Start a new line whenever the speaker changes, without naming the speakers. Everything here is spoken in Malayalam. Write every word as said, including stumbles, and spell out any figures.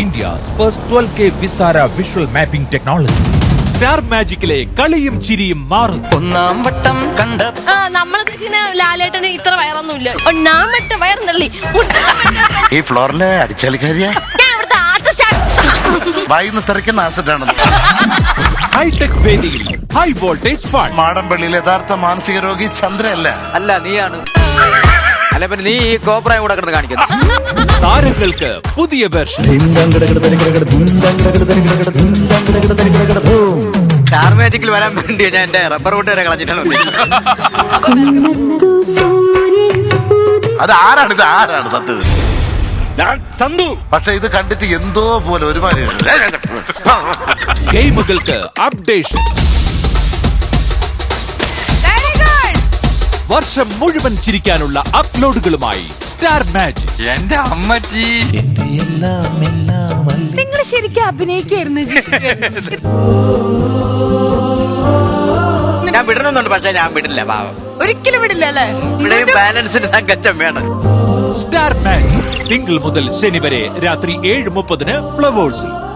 India's first twelve K Vistara visual mapping technology. Star മാജിക്കിലെ കളിയും ചിരിയും മാറും.
ഒന്നാം വട്ടം കണ്ട
നമ്മൾ ലാലേട്ടന് ഇത്ര വയറൊന്നുമില്ല. ഒന്നാം വട്ട വയറുന്നള്ളി
ഈ ഫ്ലോറിലെ അടിച്ചാലിക്കാരിയാ വായിന്ന് തെറിക്കുന്ന ആസിഡാണ്.
ഹൈടെക് വേദിയിൽ ഹൈ വോൾട്ടേജ് ഫൺ.
മാടമ്പള്ളിയിൽ യഥാർത്ഥ മാനസിക രോഗി ചന്ദ്രയല്ല.
അല്ല നീയാണ്. അല്ല പിന്നെ നീ ഈ കോപ്രായം കൂടെ കിടന്ന് കാണിക്കുന്നു.
താരങ്ങൾക്ക് പുതിയ വേർഷൻ.
സ്റ്റാർ മാജിക്കിൽ വരാൻ വേണ്ടി ഞാൻ എന്റെ റബ്ബർ ബോട്ട് വരെ കളഞ്ഞിട്ടാണ്.
അത് ആരാണ് ഇത് ആരാണ് സത്യത്? സന്തു. പക്ഷെ ഇത് കണ്ടിട്ട് എന്തോ പോലെ ഒരുമാതിരി
ഗെയിമുകൾക്ക് അപ്ഡേഷൻ. വർഷം മുഴുവൻ ചിരിക്കാനുള്ള അപ്ലോഡുകളുമായി സ്റ്റാർ മാജിക്.
എന്റെ അമ്മച്ചി
നിങ്ങൾ ശരിക്കും അഭിനയിക്കായിരുന്നു.
ഞാൻ വിടണമെന്നുണ്ട്, പക്ഷെ ഞാൻ വിടില്ല. പാവം
ഒരിക്കലും വിടില്ല അല്ലേ?
ഇവിടെയും ബാലൻസിന് തങ്കച്ചം വേണം.
സ്റ്റാർ മാജിക് തിങ്കൾ മുതൽ ശനി വരെ രാത്രി ഏഴ് മുപ്പതിന് ഫ്ലവേഴ്സിൽ.